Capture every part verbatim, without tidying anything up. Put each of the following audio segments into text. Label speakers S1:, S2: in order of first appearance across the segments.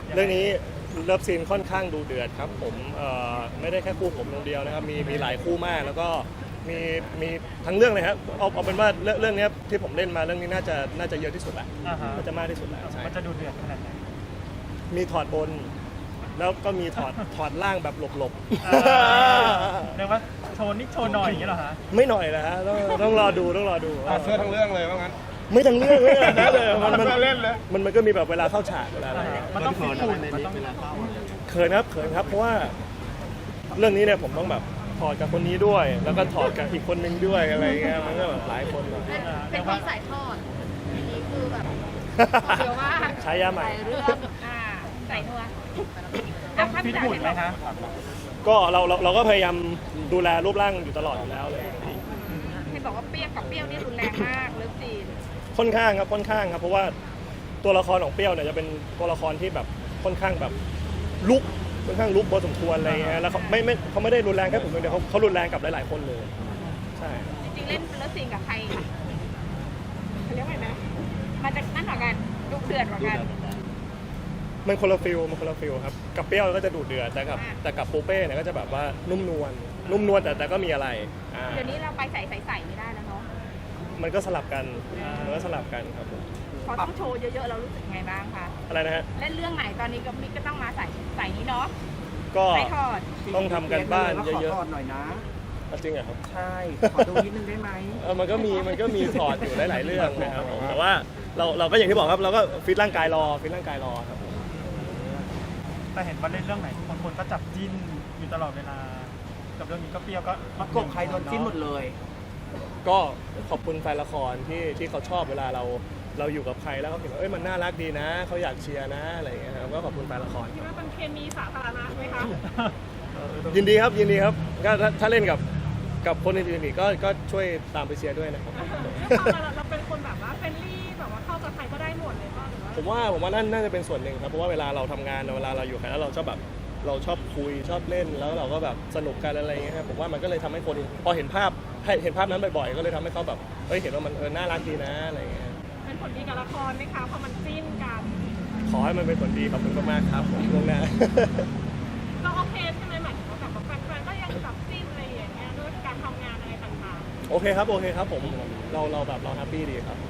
S1: เรื่องนี้เลิฟซีนค่อนข้างดูเดือดครับผมเอ่อไม่ได้แค่คู่ผมคนเดียวนะครับมีมีหลายคู่มากแล้วก็มีมีทั้งเรื่องเลยครับเอาเอาเป็นว่าเรื่องเรื่องนี้ที่ผมเล่นมาเรื่องนี้น่าจะน่าจะเยอะที่สุดแหละ
S2: อ่าฮะ
S1: น่าจะมากที่สุดแล้วใช่
S2: มันจะดูเดือดขนาดไหน
S1: มีถอดบน แล้วก็มีถอดถอดล่างแบบหลบ
S2: อ่าเรียกว่าโชว์นิดโชว์หน่อยอย่างเงี้ยเหรอฮะ
S1: ๆ ไม่หน่อยนะฮะต้องต้องรอดูต้องรอดู
S3: ถอดเสื้อทั้งเรื่องเลยว่างั้น
S1: ไม่ทั้งเรื่องเลยนะเลยมันมัน
S3: เล่นเลย
S1: มันมันก็มีแบบเวลาเข้าฉากเวลาอะไร
S2: มันต้องฟิตหุ่นมันต้อง
S1: เขินครับเขินครับเพราะว่าเรื่องนี้เนี่ยผมต้องแบบถอดกับคนนี้ด้วย แล้วก็ถอดกับอีกคนนึงด้วยอะไรเงี้ยมันก็แบบหลายคนหน่อย
S4: เป็นเป็นคนสายทอดทีนี้คือแบบเดี๋ยวว่า
S1: ใช้ยาใหม่
S4: ใส่เรื่องอ่าใส่นัว
S2: ต้องฟิตหุ่นไหมฮะ
S1: ก็เราเราเราก็พยายามดูแลรูปร่างอยู่ตลอดอยู่แล้วเลย
S4: เห็นบอกว่าเปรี้ยวกับเปรี้ยวนี่รุนแรงมากเลิฟซีน
S1: ค่อนข้างครับค่อนข้างครับเพราะว่าตัวละครของเปรี้ยวเนี่ยจะเป็นตัวละครที่แบบค่อนข้างแบบลุกค่อนข้างลุกพอสมควรอะไรเงี้ยแล้วเขาไม่ไม่เขาไม่ได้รุนแรงแค่ผมคนเดียวเขาเขารุนแรงกับหลายๆคนเลยใช่
S4: จริงๆเล่นเลิฟซีนกับใครเขาเรียกว่าไงนะมันจะนั่นกว่ากันดุเดือดกว่ากัน
S1: มันคนละฟิลมันคนละฟิลครับกับเปรี้ยวก็จะดุเดือดแต่กับแต่กับปูเป้เนี่ยก็จะแบบว่านุ่มนวลนุ่มนวลแต่แต่ก็มีอะไรอ่า
S4: เดี๋ยวนี้เราไปใส่ใส่ใส่ไม่ได้แล้วเนาะ
S1: มันก็สลับกันมันก็สลับกันครับผม
S4: พอต้องโชว์เยอะๆเรารู้สึกไงบ้างคะ
S1: อะไรนะฮะ
S4: เล่นเรื่องไหนตอนนี้ก็มิกก็ต้องมาใส่ใส่นี้เนาะ
S1: ก็
S4: ใส่ทอด
S1: ต้องทำกันบ้านเยอะ
S5: ขอถอดหน่อยนะ
S1: ๆจริงเหรอครับ
S5: ใช่ ขอดูนิดนึงได้ไหม
S1: เออมันก็มีมันก็มีถอดอยู่หลายๆเรื่องนะครับผมแต่ว่าเราเราก็อย่างที่บอกครับเราก็ฟิตร่างกายรอฟิตร่างกายรอครับผม
S2: แต่เห็นว่าเล่นเรื่องไหนบางคนก็จับจิ้นอยู่ตลอดเวลา กับเรื่องนี้ก็เปรี้ยวก็
S5: ประกบใครโดนจิ้นหมดเลย
S1: ก็ขอบคุณแฟนละครที่ที่เขาชอบเวลาเราเราอยู่กับใครแล้วเขาเห็นว่าเอ้ยมันน่ารักดีนะเขาอยากเชียร์นะอะไรอย่างเงี้ยครับก็ขอบคุณแฟนละคร
S4: คิดว่าเป็นเคมีสาธารณะไหมคะ
S1: ยินดีครับยินดีครับก็ถ้าถ้าเล่นกับกับคนอื่นๆอีกก็ก็ช่วยตามไปเชียร์ด้วยนะครับ
S4: เราเป็นคนแบบว่าเฟรนลี่แบบว่าเข้ากับใครก็ได้หมดเลยป่ะหรือว่า
S1: ผมว่าผมว่านั่นน่าจะเป็นส่วนหนึ่งครับเพราะว่าเวลาเราทำงานเวลาเราอยู่กันแล้วเราชอบแบบเราชอบคุยชอบเล่นแล้วเราก็แบบสนุกกันอะไรอย่างเงี้ยครับผมว่ามันก็เลยทำให้คนพอเห็นภาพเห็นภาพนั้นบ่อยๆก็เลยทำให้เขาแบบเฮ้ยเห็นว่ามันเออน่ารักดีนะอะไรอย่างเงี้ย
S4: เป็นผลดีกับละครไหมคะเพราะมันจิ้นกัน
S1: ขอให้มันเป็นผลดีขอบคุณมากๆครับผมล่วงหน้า
S4: ก็โอเคใช่ไหมหมายถึงว่าแบบแฟนๆก็ยังจับจิ้นอะไรอย่างเงี้ยด้วยการทำงานอะไรต่าง
S1: โอเคครับโอเคครับผมเราเราแบบเราแฮปปี้ดีครับ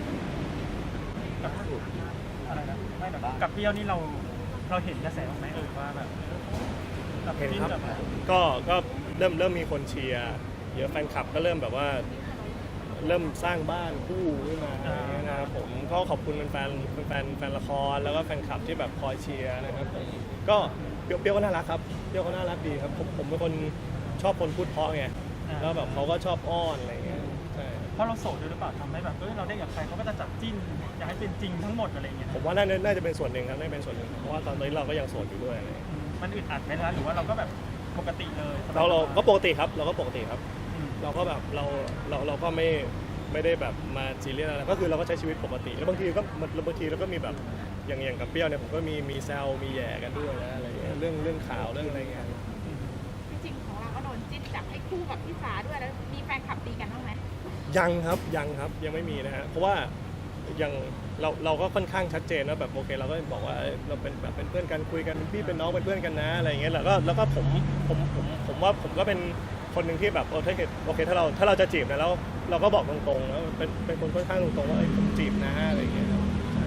S2: อะไรนะไม่แบบกับเปรี้ยวนี่เราเราเห็นกระแสบ้างไหมเออว่าแบบกับ
S1: เห็น
S2: จิ้น
S1: ครับ
S2: แบบ
S1: ก็ก็เริ่มเริ่มมีคนเชียร์เยอะแฟนคลับก็เริ่มแบบว่า เริ่มสร้างบ้านคู่ขึ้นมาอะไรอย่างเงี้ยนะครับผมก็ขอบคุณแฟนๆแฟนแฟนละครแล้วก็แฟนคลับที่แบบคอยเชียร์นะครับผมก็เปรี้ยวเปรี้ยวก็น่ารักครับเปรี้ยวก็น่ารักดีครับผมผมเป็นคนชอบคนพูดเพราะไงแล้วแบบเขาก็ชอบอ้อนอะไรอย่างเงี้ยใช่
S2: เพราะเราโสดด้วยหรือเปล่าทำให้แบบเออเราได้กับใครเขาก็จะจับจิ้นอยากให้เป็นจริงทั้งหมดอะไรอย่างเงี้ย
S1: ผมว่าน่าจะน่าจะเป็นส่วนหนึ่งครับน่าจะเป็นส่วนหนึ่งเพราะว่าตอนนี้เราก็ยังโสดอยู่ด้วยอะไรอย่างเงี้ย
S2: อืมมันอึดอัดไหมนะหรือว่าเราก็แบบปกติเลยสบยๆ
S1: เราเราก็ปกติครับเราก็ปกติครับ
S2: อืม
S1: เราก็แบบเราเราเราก็ไม่ไม่ได้แบบมาซีเรียสอะไรก็คือเราก็ใช้ชีวิตปกติแล้วบางทีก็มันบางทีเราก็มีแบบอย่างอย่างกับเปรี้ยวเนี่ยผมก็มีมีแซวมีแย่กันด้วยนะอะไรเงี้ยเรื่องเรื่องข่าวเรื่องอะไรเงี้ย
S4: ๆจริงๆของเราก็โดนจิ้นจับให้คู่กับพี่สาด้วยแล้วมีแฟนคลับตีกันบ้างไหม
S1: ยังครับยังครับยังไม่มีนะฮะเพราะว่ายังเราเราก็ค่อนข้างชัดเจนว่าแบบโอเคเราก็บอกว่าเอ้ยเราเป็นแบบเป็นเพื่อนกันคุยกันเป็นพี่เป็นน้องเป็นเพื่อนกันนะอะไรเงี้ยแล้วก็แล้วก็ผมผมผมผมว่าผมก็เป็นคนหนึ่งที่แบบโอเคโอเคถ้าเราถ้าเราจะจีบนะแล้วเราก็บอกตรงๆแล้วเป็นเป็นคนค่อนข้างตรงๆว่าเอ้ยผมจีบนะอะไรเงี้ยครับ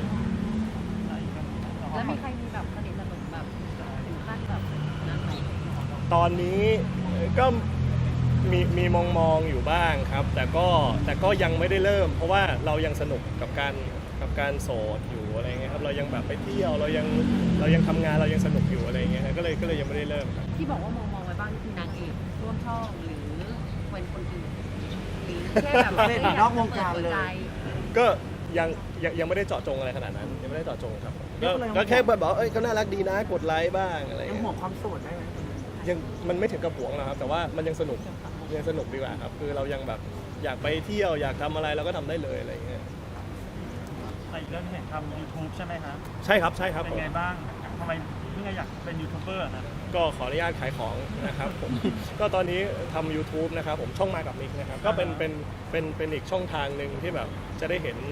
S4: แล้วมีใครมีแบบสนิทสนมแบบถึงขั้นแบบนั้นไหม
S1: ตอนนี้ก็มีมีมองมองอยู่บ้างครับ แต่ก็แต่ก็ยังไม่ได้เริ่ม เพราะว่าเรายังสนุกกับการกับการโสดอยู่อะไรเงี้ยครับเรายังแบบไปเที่ยวเรายังเรายังทำงานเรายังสนุกอยู่อะไรเงี้ยก็เลยก็เลยยังไม่ได้เริ่มครับ
S4: ที่บอกว่ามองมองไว้บ้างนี่คือนางเอกร่วมช่องหรือเป็นคนอื่นหรือแค่แบบ
S5: เล่นนอกวงการเลย
S1: ก็ยังยังยังไม่ได้เจาะจงอะไรขนาดนั้นยังไม่ได้เจาะจงครับก็ก็แค่แบบบอกเอ้ยเขาน่ารักดีนะกดไลค์บ้างอะไร
S5: ยัง
S1: เงี้ย
S5: ห่วงความโสดได้ไหม
S1: ยังมันไม่ถึงกับหวงหรอกครับแต่ว่ามันยังสนุกยังสนุกดีกว่าครับคือเรายังแบบอยากไปเที่ยวอยากทำอะไรเราก็ทำได้เลยอะไรเงี้ย
S2: แต่อีกเรื่องที่เห็นทำ YouTube ใช่ไหมครับ
S1: ใช่ครับใช่ครับ
S2: เป็
S1: ผ
S2: น
S1: ม
S2: ไงบ้างทำไมเพิ่งอยากเป็นยูทูบเบอร์นะ
S1: ก็ขออนุญาตขายของนะครับผม ก็ตอนนี้ทำ YouTube นะครับผมช่องมากับมิกนะครับก็เป็นเป็นเป็นเป็นอีกช่องทางหนึ่งที่แบบจะได้เห็น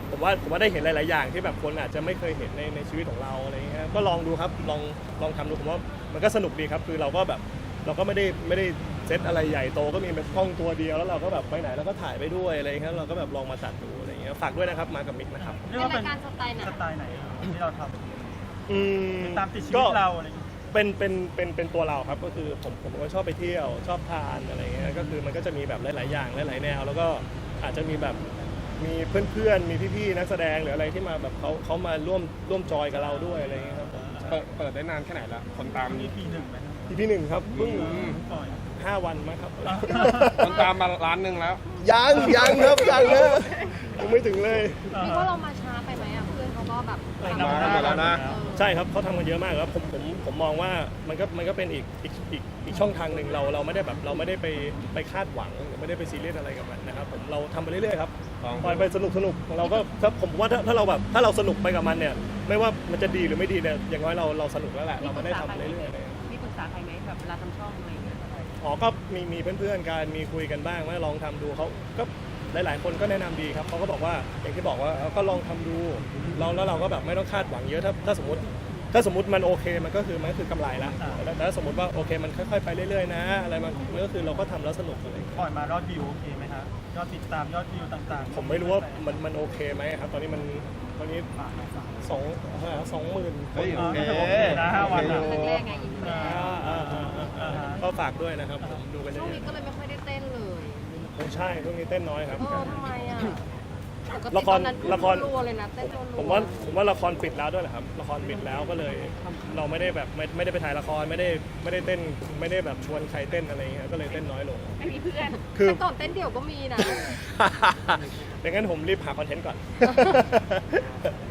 S1: ผมว่าผมว่าได้เห็นหลาย ๆ อย่างที่แบบคนอาจจะไม่เคยเห็นในในชีวิตของเราอะไรอย่างเงี้ยก็ลองดูครับลองลองทำดูผมว่ามันก็สนุกดีครับคือเราก็แบบเราก็ไม่ได้ไม่ได้เซตอะไรใหญ่โตก็มีเป็นกล้องตัวเดียวแล้วเราก็แบบไปไหนเราก็ถ่ายไปด้วยอะไรอย่างเงี้ยเราก็แบบลองมาจัดดูอะไรอย่างเงี้ยฝากด้วยนะครับมากับมิกนะครับ
S2: เรียกว่าเป็น
S4: เป็นรายการสไตล์ไหน
S2: สไตล์ไหนที่เราท
S1: อืม
S2: ำตามติดชีวิ
S1: ก็
S2: ตเราอะไรอย่างเงี้ย
S1: เป็นเป็นเป็นเป็นตัวเราครับก็คือผมผมก็ชอบไปเที่ยวชอบทานอะไรเงี้ยก็คือมันก็จะมีแบบหลาย ๆ อย่างหลาย ๆ แนว แล้วก็อาจจะมีแบบมีเพื่อนๆมีพี่ ๆ นักแสดงหรืออะไรที่มาแบบเขาเขามาร่วมร่วมจอยกับเราด้วยอะไรเงี้ยครับผม
S3: เปิดเปิดได้นานแค่ไหนละคนตาม
S2: มีปีหนึ่งไหมครับ
S1: อีพีหนึ่งครับเพิ่ง
S2: ปล่อย
S1: ห้าวันมั้งครับ
S3: คนตามมาล้านหนึ่งแล้ว
S1: ยังยังครับยังนะยังไม่ถึงเลย
S4: คิดว่าเรามาช้าไปไหมอ่ะเพื่อนเขาก็แบบ
S2: เออ
S4: ทำ
S3: มากันแล้วนะ
S4: เออ
S1: ใช่ครับเขาทำกันเยอะมากครับผมผมผมมองว่ามันก็มันก็เป็นอีกอีกอีกอีกช่องทางหนึ่งเราเราไม่ได้แบบเราไม่ได้ไปไปคาดหวังหรือไม่ได้ไปซีเรียสอะไรกับมันนะครับผมเราทำไปเรื่อยๆครับ
S3: ครับ
S1: ปล่อยไปสนุกสนุกเราก็ถ้าผมว่าถ้าถ้าเราแบบถ้าเราสนุกไปกับมันเนี่ยไม่ว่ามันจะดีหรือไม่ดีเนี่ยอย่างน้อยเราเราสนุกแล้วแหละเราไม่ได้ทำเรื่อยๆเลย
S4: มีปรึกษาใครไหมแบบเวลาทำช่องอะไรอย่างเงี้ย
S1: อ๋อก็มีมีเพื่อนๆกันมีคุยกันบ้างว่าลองทำดูเขาก็หลายๆคนก็แนะนำดีครับเขาก็บอกว่าอย่างที่บอกว่าเอาก็ลองทำดูเราแล้วเราก็แบบไม่ต้องคาดหวังเยอะถ้าถ้าสมมติถ้าสมมติมันโอเคมันก็คือมันก็คือกำไรละแต่แต่ถ้าสมมติว่าโอเคมันค่อยๆไปเรื่อยๆนะอะไรมันมันก็คือเราก็ทำแล้วสนุกอะไรอย่างเงี้ย
S2: ปล่อยมายอดวิวโอเคไหมครับยอดติดตามยอดวิวต่างๆ
S1: ผมไม่รู้ว่ามันมันโอเคไหมครับตอนนี้มันตอนนี้
S2: ฝากหน่อยฝาก
S1: สองสองหมื่น
S3: เฮ้ย
S2: โอเคโอเคนะห้าวันอะ
S4: แรกๆไงอีกแรก
S1: ก็ฝากด้วยนะครับผมดูกันเย
S4: ช่วงนี้
S1: อะ
S4: ก็เลยไม่ค่อยได้เต้นเลย
S1: ๆผมใช่ช่วงนี้เต้นน้อยครับ
S4: เออทำไมอ่ะปกติ
S1: ละคร
S4: ตอนนั้น
S1: ละคร
S4: รัวๆเลยนะเต้นรัวๆ
S1: ผมว่าผมว่าละครปิดแล้วด้วยแหละครับละครปิดแล้วก็เลย เราไม่ได้แบบไม่ไม่ได้ไปถ่ายละครไม่ได้ไม่ได้เต้นไม่ได้แบบชวนใครเต้นอะไรอย่างเงี้ยก็เลยเต้นน้อยลง
S4: ไม่มีเพื่อน
S1: คือ
S4: แต่ก่อนเต้นเดี่ยวก็มีนะ
S1: ดังนั้นผมรีบหาคอนเทนต์ก่อน